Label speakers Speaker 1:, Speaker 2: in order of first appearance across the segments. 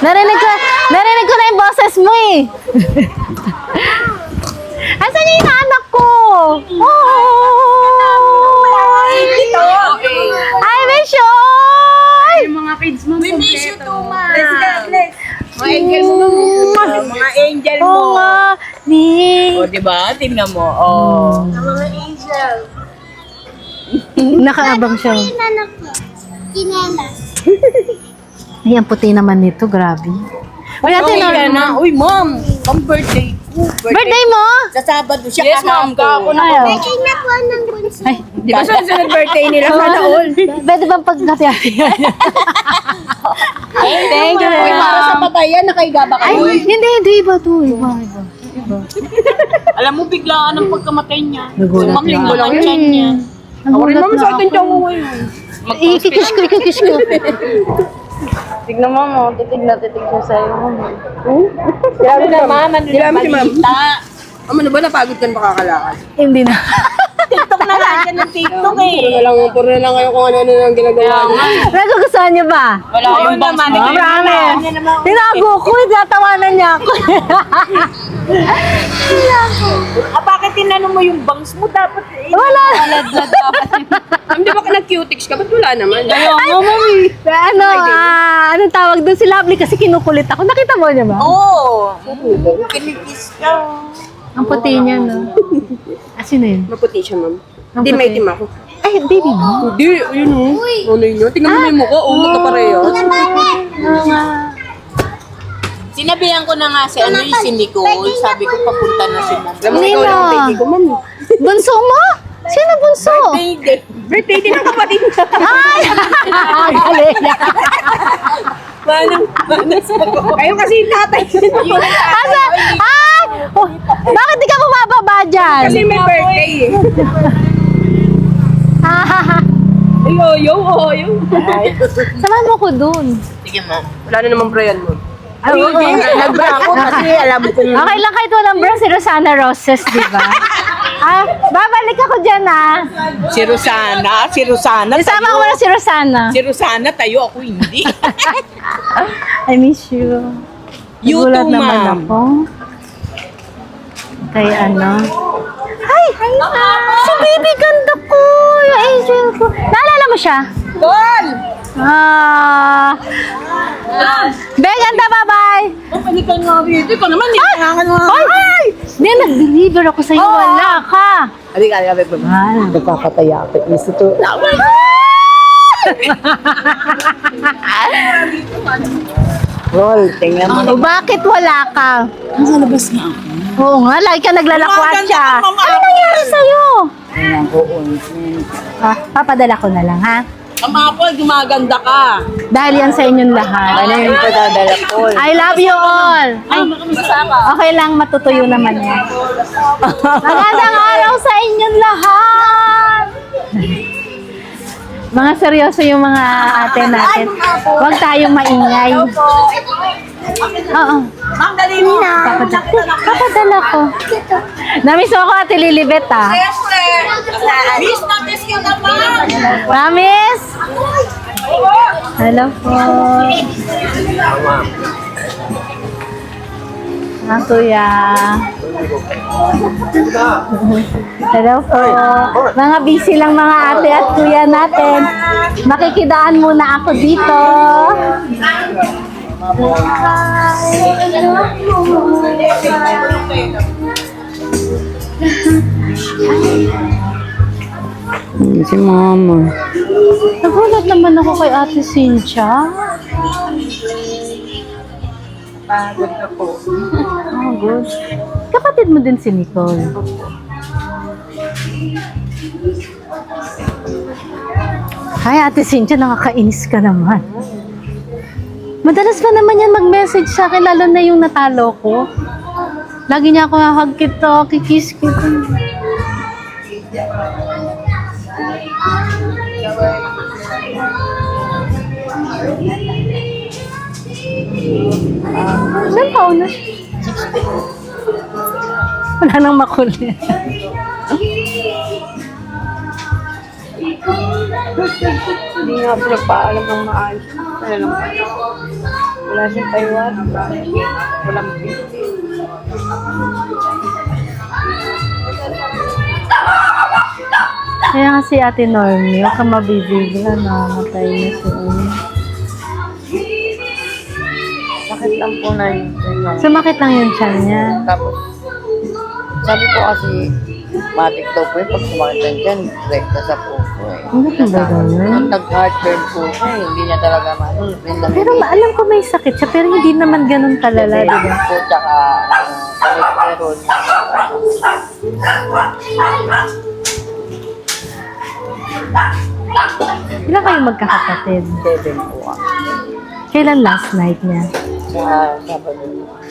Speaker 1: Narinig ko na yung boses mo eh. Asan yung anak ko? Oh! I miss you!
Speaker 2: Yung mga kids mo.
Speaker 3: We miss you too, ma.
Speaker 2: Let's go, let's.
Speaker 3: Mga angel mo. Mga angel mo.
Speaker 1: Oo nga.
Speaker 3: O, diba? Tingnan mo. Oh. Mga angel.
Speaker 1: Nakaabang siya. Ay, ang puti naman nito. Grabe. Uy, ate,
Speaker 3: na. Uy, ma'am. Ang birthday ko.
Speaker 1: birthday mo?
Speaker 3: Sa Sabado siya. Yes, ma'am. Ako na.
Speaker 1: Ayaw. Ay,
Speaker 3: Di ba sunod birthday nila? Sana all.
Speaker 1: pwede bang pagkati-hati?
Speaker 3: Thank you. Uy, para sa patayan, nakaiga ba
Speaker 1: Ay,
Speaker 3: kayo?
Speaker 1: hindi. Iba to. Iba.
Speaker 3: Alam mo, biglaan ang pagkamatay niya.
Speaker 1: Nagulat
Speaker 3: Limang linggo
Speaker 1: na.
Speaker 3: lang siya niya.
Speaker 1: Nagulat na ako.
Speaker 3: ngayon.
Speaker 1: Ikikis ko.
Speaker 3: Tignan mo mo, titig siya sa'yo. Grabe na, ma'am. Ano na balita?
Speaker 2: Ano ba, napagod ka na makakalakad?
Speaker 1: Hindi na.
Speaker 3: TikTok na lang siya ng TikTok eh.
Speaker 2: Puro na lang kayo kung ano ang ginagawa niyo.
Speaker 1: Nagugustuhan niyo ba?
Speaker 3: Wala yung bangs mo.
Speaker 1: Promise. Tinago ko. Tinatawanan niya ako.
Speaker 3: Bakit tinanong mo yung bangs mo? Dapat
Speaker 1: Wala.
Speaker 2: Hindi ba ka nag-cutics ka? Ba't wala naman?
Speaker 1: Ano, anong tawag doon si Lovely kasi kinukulit ako. Nakita mo niya ba?
Speaker 3: Oo. Kinikis ka.
Speaker 1: Ang puti niya, no? Sino yun?
Speaker 2: Maputi siya, ma'am.
Speaker 1: Ang
Speaker 2: Hindi,
Speaker 1: puti.
Speaker 2: may itim ako.
Speaker 1: Ay, baby mo.
Speaker 2: Hindi, ayun o. Ano yun? Tingnan mo na yung mukha. Oo, magkapareho.
Speaker 3: Sinabihan ko na nga si si Nicole. Sabi ko papunta na si ma'am.
Speaker 2: Alam mo, ikaw lang ang baby ko, ma'am.
Speaker 1: Bunso mo? Sino bunso?
Speaker 2: Birthday din ang kapatid niya.
Speaker 1: Ay! Galing.
Speaker 3: Manang sagot.
Speaker 2: Ayun kasi yung tatay.
Speaker 1: Asa? Ay! Oh, bakit di ka bumababa dyan?
Speaker 2: Kasi may birthday eh. Yo.
Speaker 1: Samahan mo ko dun.
Speaker 3: Sige ma'am.
Speaker 2: Wala na naman Brian mo.
Speaker 1: Ay, oo.
Speaker 3: Nagbra ako kasi alam ko yung...
Speaker 1: Okay lang kahit walang bra, si Rosana Roses, di ba? Babalik ako dyan,
Speaker 3: Si Rosana.
Speaker 1: Isama ko na si Rosana.
Speaker 3: Si Rosana, tayo ako hindi.
Speaker 1: I miss you.
Speaker 3: You
Speaker 1: Nagulat
Speaker 3: too,
Speaker 1: naman
Speaker 3: ma'am.
Speaker 1: ako. Kay ano? Hi! Si baby ganda ko! Yung angel ko. Naalala mo siya?
Speaker 3: Tol!
Speaker 1: Be, ganda, bye-bye!
Speaker 3: Palikan nga rito. Ikaw naman, nilangan mo.
Speaker 1: Ay! Hindi, nag-deliver ako sa'yo. Wala ka.
Speaker 3: Hindi ka alam ba? Nagkakatayapit. Gusto to. Rol, tingnan mo.
Speaker 1: O, bakit wala ka?
Speaker 3: Nasa labas nga ako.
Speaker 1: Oo nga, lagi ka naglalakwatsa.
Speaker 3: Maganda ka, mama.
Speaker 1: Ano nangyari sa'yo?
Speaker 3: Ayan, oo.
Speaker 1: Papadala ko na lang, ha?
Speaker 3: Ang Apple, gumaganda ka.
Speaker 1: Dahil yan sa inyong lahat.
Speaker 3: Ano yung padadala ko?
Speaker 1: I love you all.
Speaker 3: Ay, makamisama.
Speaker 1: Okay lang, matutuyo naman yan. Magandang araw sa inyong lahat. Mga seryoso yung mga ate natin. Huwag tayong maingay. Oo.
Speaker 3: Ma'am, dali mo.
Speaker 1: Papadala ko. Namiss mo ako, Ate Lilibet, ah.
Speaker 3: Siyempre. Miss na miss ka naman.
Speaker 1: Promise? Hello po. Kuya. Hello po. Mga busy lang mga ate at kuya natin. Makikidaan muna ako dito.
Speaker 3: Si mama.
Speaker 1: Nagulat naman ako kay Ate Cynthia.
Speaker 3: Pagod na po.
Speaker 1: Oh, good. Kapatid mo din si Nicole. Hi, Ate Cynthia, nakakainis ka naman. Madalas pa naman yan mag-message sa akin, lalo na yung natalo ko. Lagi niya ako hug kita, kikiss kita. Saan pa una? Wala nang makulit.
Speaker 2: Hindi nga po nagpaalam ng maayos. Kaya lang.
Speaker 3: Wala siyang Taiwan. Walang
Speaker 1: Kaya nga si Ate Normie, huwag ka mabibigla na matay na siya.
Speaker 3: sakit lang po na yun.
Speaker 1: Sumakit lang yung tiyan niya.
Speaker 3: Tapos, sabi ko kasi, matik daw po yun pag sumakit lang dyan, direkta sa puso eh.
Speaker 1: Ano ba ba ganun?
Speaker 3: Nung nag-heartburn po siya eh, hindi niya talaga maano.
Speaker 1: Pero alam ko may sakit siya, pero hindi naman ganun kalala, di ba?
Speaker 3: po, tsaka cholesterol.
Speaker 1: Ilan kayo magkakapatid?
Speaker 3: 7 po ako.
Speaker 1: Kailan last night niya?
Speaker 3: Sa Sabado.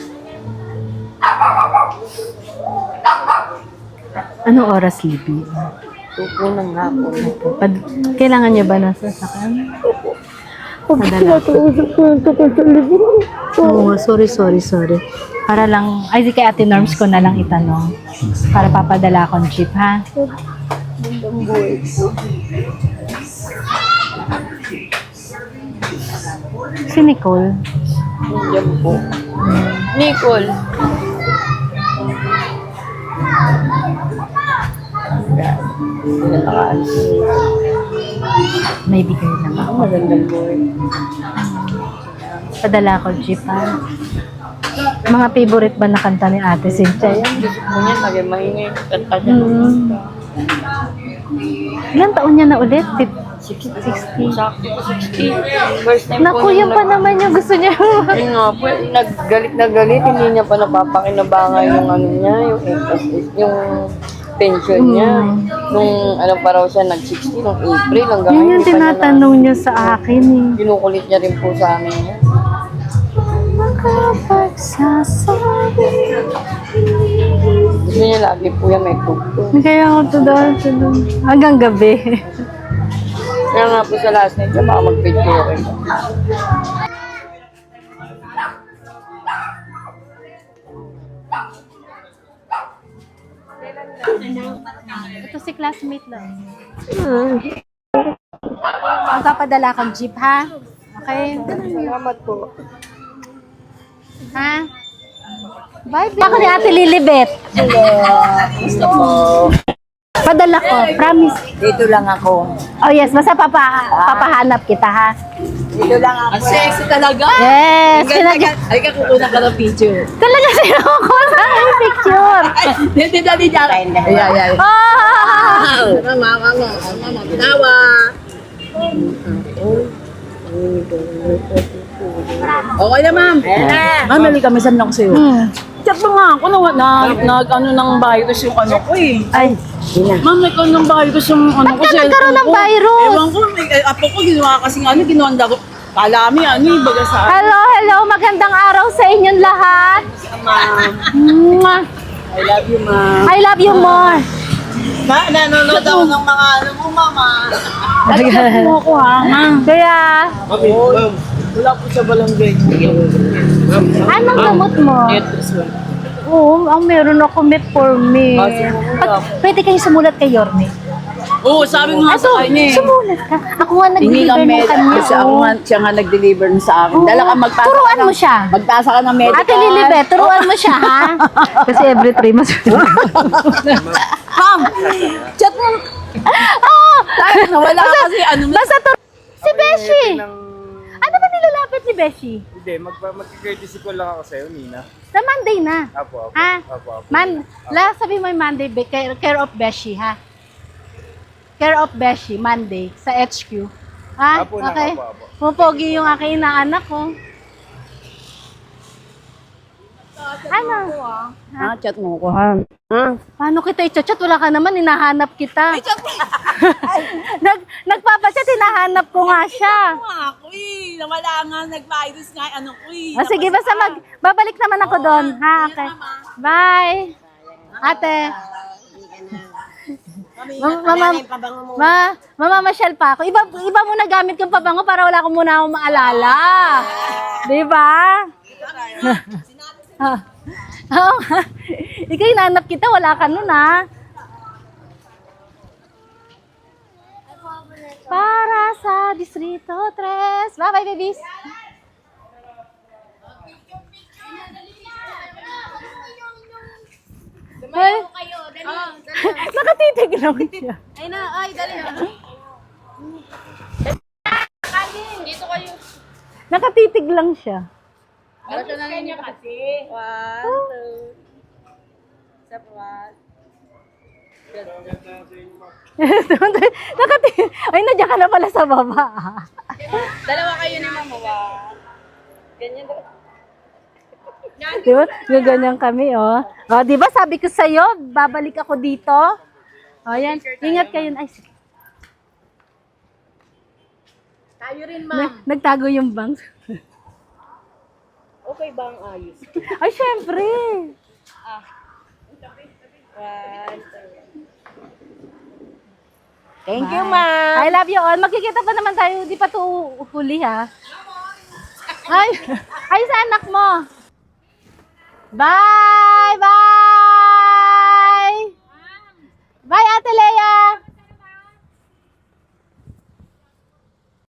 Speaker 1: Anong oras libi?
Speaker 3: Tupo ng hapon.
Speaker 1: Kailangan niya ba ng sasakyan? Padala. Oo, sorry. Para lang, ay di kay Ate Norms ko na lang itanong. Para papadala akong jeep, ha? Si Nicole.
Speaker 3: Yan po. Nicole.
Speaker 1: May bigay lang ako.
Speaker 3: Magandang buhay.
Speaker 1: Padala ko jeep, ha? Mga favorite ba na kanta ni Ate Cynthia? Yan.
Speaker 3: Gusto ko niya, lagi maingay. Kanta niya.
Speaker 1: Ilan taon niya na ulit?
Speaker 3: 60. Sakto po 60. First time
Speaker 1: Naku,
Speaker 3: po
Speaker 1: yun pa naman yung gusto niya.
Speaker 3: Ayun nga po, naggalit na galit, hindi niya pa napapakinabangan yung ano niya, yung SSS, yung pension niya. Nung ano pa raw siya, nag-60, nung April, hanggang
Speaker 1: Yun
Speaker 3: ngayon,
Speaker 1: yung
Speaker 3: hindi pa niya
Speaker 1: tinatanong niya sa akin eh.
Speaker 3: Kinukulit niya rin po sa amin niya.
Speaker 1: Makapagsasabi.
Speaker 3: Gusto niya lagi po yan, may tugtog.
Speaker 1: Kaya ako to doon. Hanggang gabi.
Speaker 3: Kaya nga po sa last night, siya baka mag-picture rin.
Speaker 1: Ito si classmate lang. Magpapadala akong jeep, ha? Okay?
Speaker 3: Salamat po.
Speaker 1: Ha? Bye, babe. Ako ni Ate Lilibet.
Speaker 3: Gusto po.
Speaker 1: Padala ko, promise.
Speaker 3: Dito lang ako.
Speaker 1: Oh yes, basta papahanap kita, ha?
Speaker 3: Dito lang ako. Ang sexy talaga.
Speaker 1: Yes!
Speaker 3: Ay ka kukunan ka ng picture.
Speaker 1: Talaga sinuko sa aking picture.
Speaker 3: Hindi dali dyan. Ay.
Speaker 1: Ah!
Speaker 3: Mama. Tawa. Okay na, ma'am. Ma'am, nali kami saan lang sa'yo. Chat mo nga ako ano ng virus yung ano ko eh.
Speaker 1: Ay,
Speaker 3: Ma'am, nagkaroon ng virus yung ano ko.
Speaker 1: ba't ka nagkaroon ng virus?
Speaker 3: Ewan ko, apo ko ginawa kasing ano, ginawa ko. Kalami, baga sa
Speaker 1: Hello, magandang araw sa inyong lahat.
Speaker 3: ma'am.
Speaker 1: Mwah.
Speaker 3: I love you, ma'am.
Speaker 1: I love you more.
Speaker 3: Nanonood ako ng mga ano mo, mama. Chat mo ako, ha, ma'am.
Speaker 1: Kaya,
Speaker 3: Wala po sa barangay.
Speaker 1: anong gamot mo? Oo, ang meron ako metformin. Pwede kayo sumulat kay Yorme.
Speaker 3: Oo, sabi nga sa kanya eh.
Speaker 1: Sumulat ka. Ako nga
Speaker 3: Hindi
Speaker 1: nag-deliver
Speaker 3: lang
Speaker 1: ng kanya.
Speaker 3: Kasi ako nga, siya nga nag-deliver sa akin.
Speaker 1: Oo.
Speaker 3: Dala ka magpasa
Speaker 1: Turuan mo siya.
Speaker 3: Magpasa ka ng medical.
Speaker 1: Ate Lilibet, turuan mo siya, ha? Kasi every 3 months.
Speaker 3: Ma'am, chat mo.
Speaker 1: Oo!
Speaker 3: Nawala kasi ano na.
Speaker 1: Basta si Beshi! Ano ba nilalapit ni Beshi?
Speaker 4: Hindi, mag-courtesy call lang ako sa'yo, Nina.
Speaker 1: Sa Monday na.
Speaker 4: Apo.
Speaker 1: Ha? Sabi mo yung Monday, care of Beshi, ha? Care of Beshi, Monday, sa HQ. Ha?
Speaker 4: Apo na,
Speaker 1: Okay?
Speaker 4: apo.
Speaker 1: Pupogi yung aking inaanak ko. Ano?
Speaker 3: Ha, chat mo ko, ha?
Speaker 1: Paano kita i-chat? Wala ka naman, hinahanap kita. Nagpapachat, hinahanap ko nga siya.
Speaker 3: Ako eh, nawala nga, nag-virus nga, ano ko eh.
Speaker 1: O sige, basta babalik naman ako doon. Ha, okay. Bye. Ate. Mamamasyal pa ako. Iba muna gamit kong pabango para wala ko muna akong maalala. Di ba? Oo nga. Ikaw hinanap kita, wala ka nun ha. Para sa Distrito 3. Bye-bye, babies. Natitig lang siya.
Speaker 2: Ay na, ay, dali na. Dito kayo.
Speaker 1: Nakatitig lang siya.
Speaker 2: Para siya na niya kasi. 1, 2. Step 1.
Speaker 1: Ay, nandiyan ka na pala sa baba.
Speaker 2: Dalawa kayo ni Mama. 1. Ganyan daw.
Speaker 1: Di ba? Gaganyan kami, oh. Oh, di ba sabi ko sa'yo, babalik ako dito? Oh, yan. Ingat kayo. Ay, sige.
Speaker 2: Tayo rin, Ma'am.
Speaker 1: Nagtago yung bangs.
Speaker 2: Okay ba ang ayos?
Speaker 1: Ay, syempre.
Speaker 2: 1, 2.
Speaker 1: Thank you, ma'am. I love you all. Magkikita pa naman tayo. Di pa to huli, ha? Ay, sa anak mo. Bye!